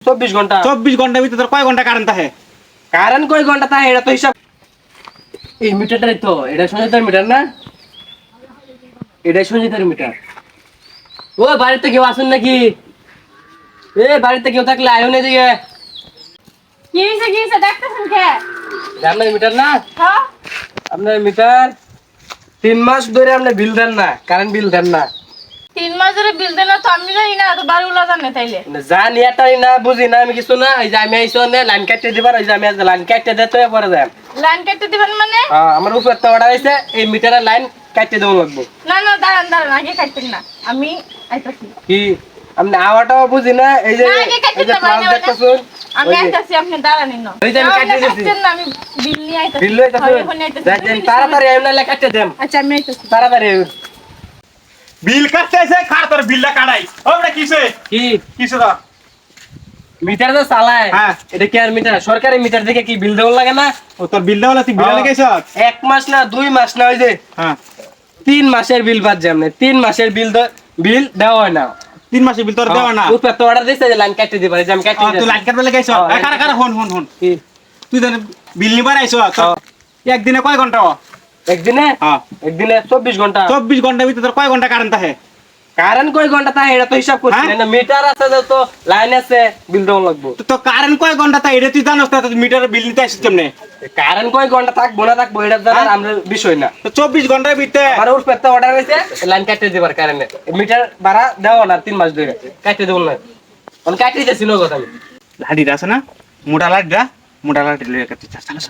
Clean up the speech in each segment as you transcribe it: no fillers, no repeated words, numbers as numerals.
24 ঘন্টা 24 ঘন্টার ভিতরে তোর কয় ঘন্টা কারেন্ট থাকে? কারেন্ট কয় ঘন্টা থাকে এটা তো হিসাব। এই মিটারটাই তো, এটা সঞ্জিতার মিটার না? এটাই সঞ্জিতার মিটার। ও বাড়িতে কেউ আসুন নাকি? বাড়িতে কেউ থাকলে আয়ন এদিকে। কি হইছে দেখতেছেন কে? আপনার মিটার না? হ্যাঁ আপনার মিটার 3 মাস ধরে আপনি বিল দেন না, কারেন্ট বিল দেন না। 3 মাস ধরে বিল দেন না তো আমি জানি না, তো বাড়িওয়ালা জানে তাইলে। জানি এটাই না, বুঝি না আমি কিছু না। এই যে আমি আইসো না লাইন কাটতে দিবার, এই যে আমি লাইন কাটতে দিতে পরে যাই। লাইন কাটতে দিবেন মানে? আমার উপর তো অর্ডার হইছে এই মিটারের লাইন কাটতে দেওয়া লাগবে। না না দাঁড়ান আগে কাটতেন না, আমি আইতাছি। কি আপনি আওয়াটাও বুঝি না? এই যে না, আগে কাটতে এই যে দিতে প্লাস পারি না, দেখতেছুন, আমি আইতাছি, আপনি দাঁড়ানিন না। ওই যে আমি কাটতে দিছি। কাটতেন না, আমি বিল নিয়ে আইতাছি। বিল লইতাছুন, হয়, এখনই আইতাছি। দেখেন তাড়াতাড়ি এমনি কাটতে দেন, আচ্ছা আমি আইতাছি। তাড়াতাড়ি। বিল কাটতে এসে খার তোর বিলটা কাটাই। ওটা কিসে? কি কিসে দা? মিটার তো চালায়, হ্যাঁ। এটা কি আর মিটার? সরকারি মিটার দেখে কি বিল দেওয়া লাগে না? ও তোর বিলটা হলো তুই বিল লাগাইছ? 1 মাস না 2 মাস না, ওই যে হ্যাঁ 3 মাসের বিল বাদ যায়। 3 মাসের বিল দেওয়া হয় না। 3 মাসের বিল তোর দেওয়া না? উপর তো অর্ডার দিছে যে লাইন কাটতে দিবা, এই যে আমি কাটতে তুই দিছি। লাইট কাটবে লাগাইছ? কারা কারা হন কি তুই জানি বিল নিবার আইছ? একদিনে কয় ঘন্টা? একদিনে? হ্যাঁ একদিনে 24 ঘন্টা। 24 ঘন্টার ভিতরে তোর কয় ঘন্টা কারেন্ট থাকে? কারেন্ট কয় ঘন্টা থাকে এটা তো হিসাব করছি হ্যাঁ? না। মিটার আছে তো, লাইন আছে, বিল দেওয়া লাগবে। তো কারেন্ট কয় ঘন্টা থাকে এটা তুই জানোস না? তুই মিটারে বিল নিতে আসছিস কেমনে? কারেন্ট কয় ঘন্টা থাকবো না থাকবো এটা জানার হ্যাঁ? আমরা বিষয় না। তো 24 ঘন্টার ভিতরে আমার উপর তো অর্ডার হয়েছে লাইন কাটতে দিবার কারণে মিটার ভাড়া দেওয়া না 3 মাস ধরে কাটতে দেবো না। আমি কাটতে দিতেছি না কথা। আমি লাঠিটা আছে না, মোটা লাঠি লইয়া কাটতে চলো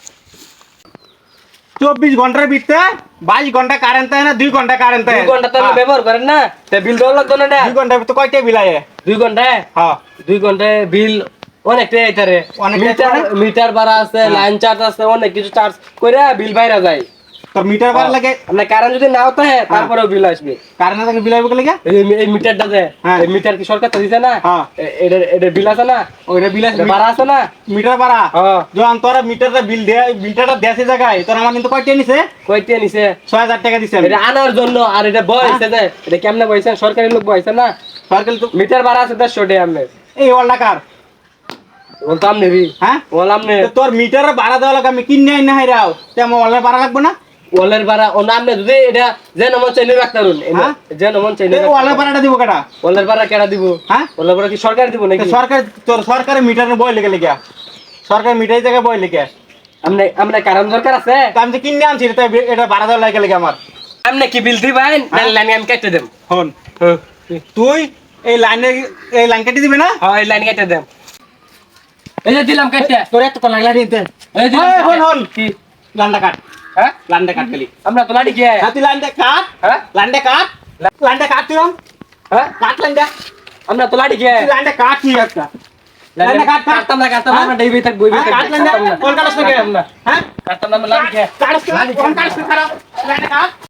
24 ঘন্টার ভিতরে 22 ঘন্টা কারেন্ট থাকে না 2 ঘন্টা কারেন্ট থাকে? 2 ঘন্টা তো আপনি ব্যবহার করেন না, তা বিল দেওয়া লাগতো না। 2 ঘন্টার ভিতরে কয়টা বিল আয়? 2 ঘন্টায় হ্যাঁ 2 ঘন্টায় বিল অনেকটাই আইতারে। মিটার ভাড়া আছে, লাইন চার্জ আছে, অনেক কিছু চার্জ করে বিল বাইরে যায়। তোর মিটার ভাড়া লাগে? আপনার কারেন্ট যদি নাও থাকে তারপরেও বিল আসবে। কারেন্ট থাকে বিল আইব কে লাগে? এই মিটারটা যে হ্যাঁ। এই মিটার কি সরকার তো দিছে না? হ্যাঁ। এটা বিল আছে না? ওইটা বিল আছে, এটা ভাড়া আছে না? মিটার ভাড়া। হ্যাঁ। যখন তোরা মিটারটা বিল দে, বিলটা দেশে জায়গায় তোর আমার কিন্তু কয়টা নিছে? কয়টা নিছে? 6000 টাকা দিছে আমি। এটা আনার জন্য। আর এটা বয়সে যে এটা কেমনে বয়সে? সরকারি লোক বয়সে না? সরকার তো মিটার ভাড়া আছে 150 টাকা। আপনি এই ওয়ালটা কার? বলতাম নেবি? হ্যাঁ বললাম নে। তো তোর মিটারের ভাড়া দেওয়া লাগে, আমি কিনে আই না হাইরাও তে আমার ওয়ালের ভাড়া লাগবে না? ওয়ালের ভাড়া ও নাম নে, যদি এটা যে নমন চাইলে রাখতারুন। হ্যাঁ? যে নমন চাইলে এই ওয়ালের ভাড়াটা দিব কেটা? ওয়ালের ভাড়া কেডা দিব? হ্যাঁ? ওয়ালের ভাড়া কি সরকার দিব নাকি? তো সরকার তোর সরকারের মিটারে বই লেগে লেগে সরকার মিটারের জায়গায় বই লেগে আমনে আমনে কারণ দরকার আছে? তা আমি যে কিনে আনছি এটা ভাড়া দেওয়া লাগে লেগে আমার। আমনে কি বিল দিবেন না লাইন আমি কেটে দেব? হন তুই এই লাইন কেটে দিবি না? হ্যাঁ এই লাইন কেটে দেব। এই যে দিলাম কেটে। তোর এত লাগলা নিতে। এই দিলাম এই হন কেটে। হন কি লাইনটা কাট, হ্যাঁ? লাইনটা কাট খালি। আমরা তো লাড়ি কি? হ্যাঁ তুই লাইনটা কাট, হ্যাঁ? লাইনটা কাট, লাইনটা কাট তুই হ্যাঁ? কাট লাইনটা, আমরা তো লাড়ি কি? তুই লাইনটা কাট তুই একটা লাইনটা কাট কাট কাটতাম না আমরা ডেইবি থাক বইবি থাক। কাট লাইনটা কোন কাটছ না? হ্যাঁ কাটতাম না আমরা লাড়ি কি? কাটছ না কোন কাটছ খারাপ লাইনটা কাট।